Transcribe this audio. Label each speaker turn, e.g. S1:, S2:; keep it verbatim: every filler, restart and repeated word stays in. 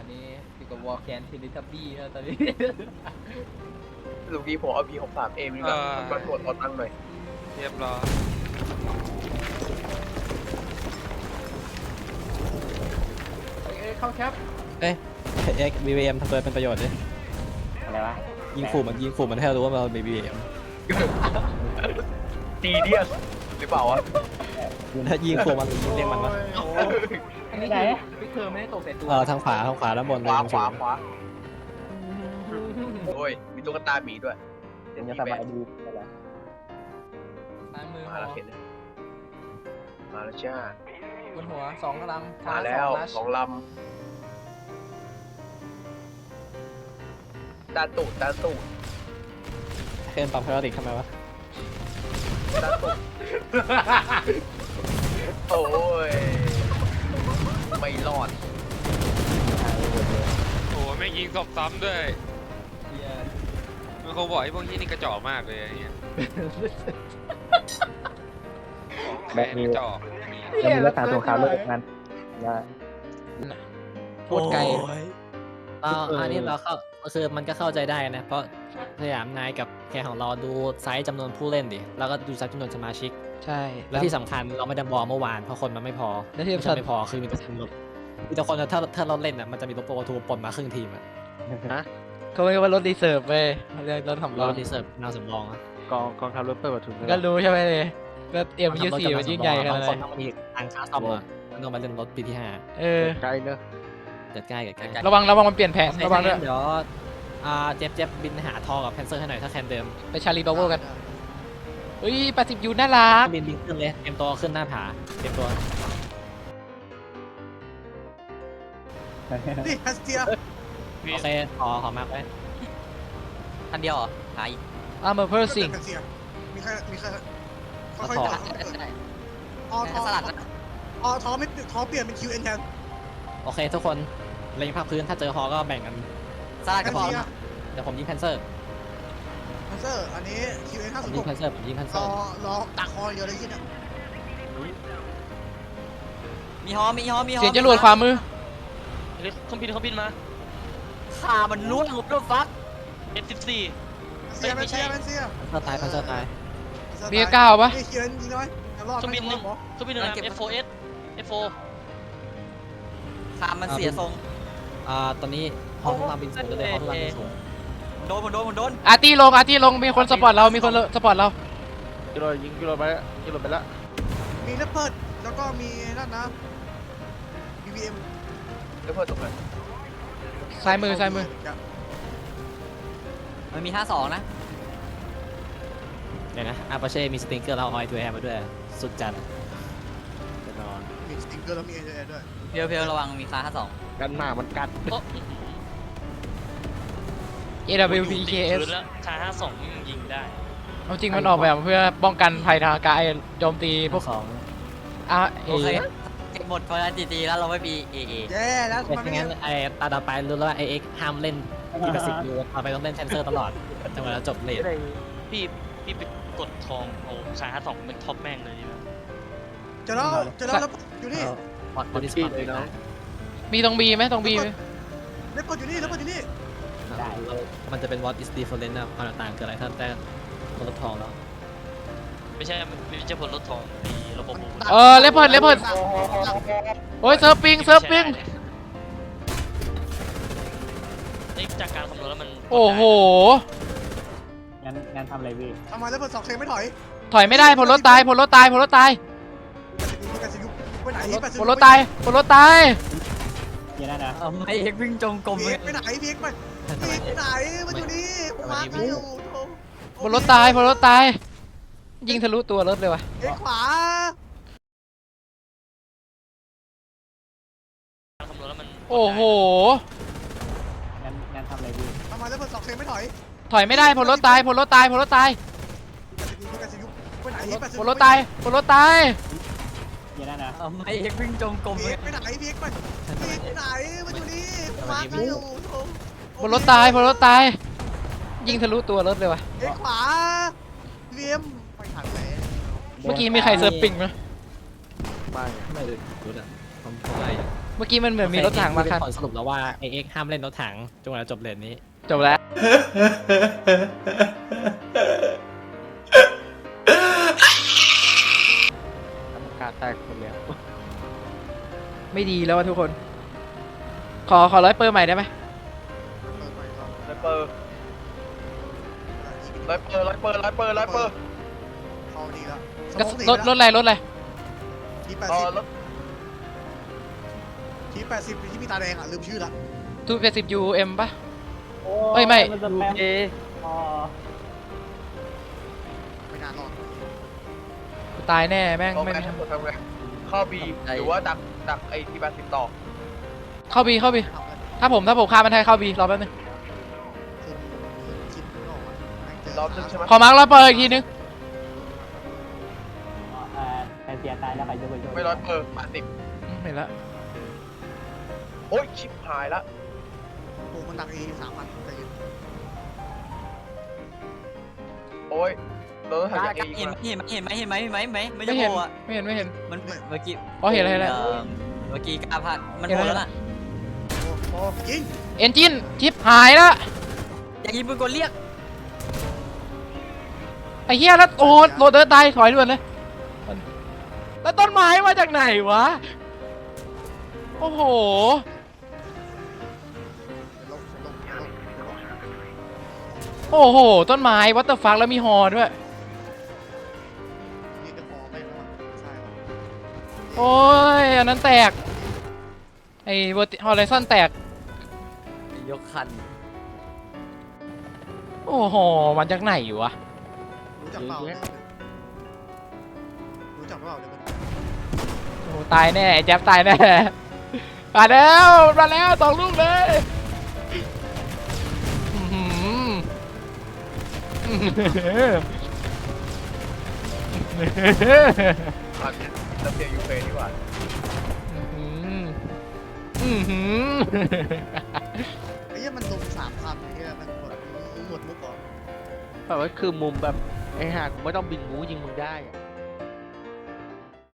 S1: อันนี้อยู่กับวอลแคนทิลิทับบี้นะตอนนี้
S2: ลูกนี้ผมเอาพีหกสามเอ็มนี่แหละมันกดเอาตังค์หน่อย
S3: เรียบร้อย
S1: เอ้ยเข้าแคป
S4: เอ้ยเอ็กบีเอ็มทำตัวเป็นประโยชน์ดิ
S5: อะไรวะ
S4: ยิงขู่มันยิงขู่มันให้เรารู้ว่าเรามีบีเอ็ม
S2: ตีเดียสหรือเปล่าวะ
S4: ถ้ายิงขู่มันหรือยิงเรียกมันวะ
S1: อันนี้คือพิกเธอไม่ได้ตกใส่ตัว
S4: เออทางขวาทางขวาด้านบน
S2: ข
S4: เลยว
S2: า
S4: ตรง
S2: ขวา
S4: สูง
S2: ขวาโอ้ยมีตุ๊กตาหมีด้วย
S5: เดี๋ยวจะสบายดีอะไร
S1: ซ้ายมือ
S2: มาแล้วเห็นมาแล้วจ้า
S1: บนหัวสองกำลัง
S2: มาแล้วสองลำตาตูดตาตูด
S4: เคนปั๊มพลาสติกทำไมวะ
S2: ตาตูดโอ้ยไม่รอด
S3: โอ้โหแม่งยิงศพซ้ำด้วย
S1: เหี้ย
S3: มันคงบอกไอ้พวกที่นี่กระจอกมากเลยไอ้เงี้ย
S5: แบ
S3: แม่
S5: บ
S3: ง
S5: นี้
S3: กระจอก
S5: จะมีรักษาสงครามโลกนั้นว่า
S1: โคตรไกล
S4: อ่าอันนี้เราเข้าคือมันก็เข้าใจได้นะเพราะสยามนายกับแคร์ของเราดูไซส์จำนวนผู้เล่นดิแล้วก็ดูไซส์จำนวนสมาชิก
S1: ใช่
S4: และที่สำคัญเราไม่ได้บอกเมื่อวานเพราะคนมันไม่พอ
S1: และที่
S4: ไม่
S1: สำคั
S4: ใช่
S1: ญ
S4: ไม่พอคือมีแต่คนลดมีแต่คนถ้าถ้าเราเล่นอ่ะมันจะมีรถโปรทูปนมาครึ่งทีมอ่ะ
S1: เขาเรียกว่ารถรีเซิร์ฟเว้ยเรียกรถสำร
S4: เรา
S1: อง
S4: ดีเซิร์ฟนาวสำรองอ่ะ
S6: กองกองทัพรถเปิดประทุน
S1: ก็รู้ใช่ไหมเลยก็เอ็มยูสี่มันยิ่งใหญ่ขนาด
S4: บาง
S1: ไห
S4: คน
S1: น
S4: ต้องมีทางค่าซ่อมอ่ะมันต้องมาเล่นรถปีที่ห้า
S1: เออ
S6: ใกล้เนอะ
S4: เกิดใกล้เกิดใกล้
S1: ระวังระวังมันเปลี่ยนแผนระวังด้วย
S4: เดี๋ยวอ่าเจ็บเจ็บบินหาทอกับแพนเซอร์ให้หน่อยถ้าแคนเดิม
S1: ไปชาลีบาวเวอร์กันเฮ้ยแปดสิบยูน่ารัก
S4: บินบินขึ้นเลยเตรียมตัวขึ้นหน้าผาเตรียมตัว
S7: นี่ฮัสเตีย
S4: โอเคขอขอมาร์คไว้
S8: ทันเดียวเหรอหาย
S1: อาร์เมอร์เพอร์ซิง
S7: ฮัสเตียมีใครมีใครค่
S4: เอา
S7: อย
S4: ถอ
S7: ๆ
S4: ด
S7: จับออทอ
S8: สลัดนะ
S7: ออทอไม่ทอเปลี่ยนเป็นคิวเอ็นแทน
S4: โอเคทุกคนเล็งภาพพื้นถ้าเจอฮอก็แบ่งกัน
S8: สลัด
S7: ฮั
S8: ก็
S7: ส
S8: พอ
S7: เตีย
S4: เดี๋ยวผมยิงแพนเซอร์
S7: ฮันเซอร์อันนี้คิวเอ็นห้า
S4: ผ
S7: สิ
S4: ม
S7: บ
S4: ยิ
S7: ห
S4: ง
S7: ก
S4: แพนเซอร์ผมยิงแพนเซ
S7: ร
S4: อ
S7: อ
S4: ร์
S7: รอตักคอเยอะเลยที่เนี่ย
S8: มีฮอมีฮอมีฮอ
S1: เสียงจรวดขวามือ
S8: เครื่องบินเครื่องบินมาขามันล่วงรถฟัก เอฟ สิบสี่
S7: ฮัสเตียแมนเซียแมนเซีย
S4: แพนเซอร์ตายแพนเซอร์ตาย
S1: มีเก้าปะ
S7: นี่คิวเอ็นยิงน้อยรอดไม่รอดหมอ
S8: เครื่องบินหนึ่ง เอฟ โฟร์ เอส เอฟ โฟร์ ขามันเสียทรง
S4: อ่าตอนนี้ฮอทุกลำบินสูงเลยฮอทุกลำบินสูง
S8: โดนผมโดนผมโดน
S1: อาร์ตี้ลงอาร์ตี้ลงมีคนสปอร์ตเรามีคนสปอร์ตเรา
S6: กิโลยิงกิโลไปแล้วกิโลไปแล้ว
S7: มีเลปเพิร์ดแล้วก็มีนั่นนะ บี บี เอ็ม
S2: แล้วเพิ่มตรงไหน
S1: ซ้ายมือซ้ายมือ
S8: มันมีห้าสองนะ
S4: เดี๋ยวนะอาปาเช่มีสติงเกอร์แล้วออยทูแอร์มาด้วยสุดจัด
S6: แน่นอน
S7: มีสติงเกอร์แล้วมีเอเจด้วย
S8: เพียวเพียวระวังมีคาห้าสอง
S6: กันหน้ามันกัด
S1: เอ ดับเบิลยู พี เค เอส
S8: คาห้าสองยิงได้
S1: เอาจริงมันออกแบบเพื่อป้องกันภัยทางอากาศโจมตีพวก
S4: สอง
S1: อาเอ
S8: โอเคเก็บหมดพอแล้วจีจีแล้วเราไม่มีเอเอ
S7: แย่แล้ว
S4: แต่
S7: มันไม่
S4: งั้นไอ้ตาต่อไปรู้แล้วว่าไอเอ็กห้ามเล่นทีละสิบยูต่อไปต้องเล่นแพนเซอร์ตลอดจนกว่าจะจบเลท
S8: พี่พี่ไปกดทองโอ้คาห้าสองเป็นท็อปแม่งเลยดีไหม
S7: เจะแล้วเจะแล้วแล้วอยู่นี่
S4: พอดบอดี้สปอร์ตเลยนะ
S1: มีตรงบีไหมตรงบีไหม
S7: เลปเพิร์ดอยู่นี่เลปเพิร์ดอยู่นี่
S4: มันจะเป็น what is different นะความต่างคืออะไรถ้าแต่คนละทองแล้ว
S8: ไม่ใช่ไม่ใช่ผลลดทองมีระบบ
S1: เออเลเพิร์ดเลเพิร์ดโอ้ยเซิร์ฟปิงเซิร์ฟปิง
S8: นี่จากการคำนวณแล้วมัน
S1: โอ้โห
S5: งั้นงั้นทำอะไรพี่
S7: ทำไมเลปเพิร์ดสองเคไม่ถอย
S1: ถอยไม่ได้พลรถตายพลรถตายพลรถตาย
S7: แปดสิบยุไปไหนแปดสิบ
S1: พลรถตายพลรถตาย
S5: เดี๋ยวนะนะ
S8: ไอเอ็กวิ่งจงกรม
S7: พี
S8: เล
S7: เอ็
S8: ย
S7: กไปไหนพีเอ็กไปพีเอ็กไปไหนมันอยู่นี่ผมมาร์คอยู่
S1: พลรถตายพลรถตายยิงทะลุตัวรถเลยว่ะ
S7: เอ็กขวา
S8: คำนวณแล้วมัน
S1: โอ้โห
S5: งั้นงั้นทำอะไรพี่
S7: ทำไมเลปเพิร์ดสองเคไม่ถอย
S1: ถอยไม่ได้พลรถตายพลรถตายพลรถตาย
S7: แปดสิบยุไปไหนแปดสิบ
S1: พลรถตายพลรถตาย
S5: เดี๋ยวนะนะ
S8: ไอเอ็กวิ่งจงกรม
S7: พี
S8: เล
S7: เอ็
S8: ย
S7: กไปไหนพีเอ็กไปพีเอ็กไปไหนมันอยู่นี่ผมมาร์คอยู่
S1: พลรถตายพลรถตายยิงทะลุตัวรถเลยว่ะ
S7: เอ็กขวาพีเอ็มไปถังไหน
S1: เมื่อกี้มีใครเซิร์ฟปิงไหม
S6: ไม่
S4: ไม่เลยรู้อ่ะผมผมไล่
S1: เมื่อกี้มันเหมือนมีรถถังมาคัน
S4: ผลสรุปแล้วว่าไอเอ็กห้ามเล่นรถถังจนกว่าจะจบเลนนี้
S1: จบแล้ว
S6: กรรมการแตกคนแล้ว
S1: ไม่ดีแล้วอะทุกคน ขอขอร้อยเปอร์ใหม่ได้ไหม
S2: ไลเปอร์ไลเปอร์ไลเปอร์ไลเปอร์ไลเปอร์
S7: เข้าดีแล้ว
S1: ก็รถรถอะไรรถอะไร
S7: ทีแปด
S2: เอ
S7: สิ
S2: อบ รถ
S7: ทีแปดสิบที่มีตาแดงอ่ะลืมชื่อละ
S1: ทูแปดสิบยูเอ็มปะ เอ้ยไม่
S5: นจะแปม
S6: เอ
S5: อ๋อ
S7: ไม่น่ารอด
S1: กูตายแน่แม่ง
S2: เอา
S1: ไม่
S2: ไง
S1: มี
S2: ทำทำไงเข้าบีหรือว่าดักดักไอ้ทีแปดสิบต่อ
S1: เข้าบีเข้าบี
S7: ทำกัน
S1: ถ้าผมถ้าผมฆ่ามันให้เข้าบีรอแป๊บนึง
S7: คือคิดไม่ออกอ่ะแม่งเจ
S2: รอบนึงใช่ไหม
S1: ขอมาร์คร้อยเปอร์อีกทีนึง
S5: เอ่อใครเสียตายแล้วใครจะไปช่วย
S2: ไม่ร้อยเปอร์แปดสิบ
S1: อืมเห็นแล้ว
S2: โอ้ยชิบหายละ
S7: โอ้มันดักเอสามพันใจเย็น
S2: โอ้ยเราต้อง
S8: ก
S2: ถ่าย
S8: ล้า
S2: จาก
S8: ก
S2: เอ
S8: ล้า
S2: อีก
S8: เห็น
S2: นะ
S8: เห็นไหมเห็นไหมเห็นไหมเห็นไหมเห็นไหมไม่
S1: ไม่
S8: ใช่
S1: เห็น
S8: โผล่อะ
S1: ไม่เห็นไม่เห็น
S8: มันเมื่อกี้
S1: อ๋อเห็นแล้วเห็นแล้ว
S8: อ่อเมื่อกี้กล้าพลาดมัน
S1: เห็น
S8: โผ
S1: แล้ว
S8: ล่แล้วล่ะ
S7: โอ้โหยิง
S1: เอนจินชิปหายแล้ว
S8: อย่ายิงปืนกลเรียก
S1: ไอ้เหี้ยแล้วโอ้โหโรเดอร์ตายถอยด่วนเลย แล้วต้นไม้มาจากไหนวะ โอ้โห
S7: เดี๋ยวลงเดี๋ยวลงเดี๋ยวลงเดี๋ยวลง
S1: โอ้โห ต้นไม้วัตเตอร์ฟักแล้วมีฮอด้วย
S7: นี่จะพอไม่พอใช่ครับ
S1: โอ้ย อันนั้นแตก ไอ้เวอร์ติฮอลไลซอนแตก
S8: ยกคัน
S1: โอ้โห มันจากไหนวะ
S7: รู้จักเปล่าเนี่ยรู้จักเปล่าเดี๋ยวมัน
S1: โอ้ตายแน่ไอ้แจ๊บตายแน่ มาแล้วมาแล้วสองลูกเลยอื้อหืออื้อหือ
S2: อันนี้รัสเซียยูเครนดีกว่า
S1: อื้อหือ
S7: ไอ้เหี้ยมันลงสามพันไอ้เหี้ยมันหมดหมดมุกเหรอ
S6: แบบว่าคือมุมแบบไอ้ห่ากูไม่ต้องบินงูยิงมึงได้อะ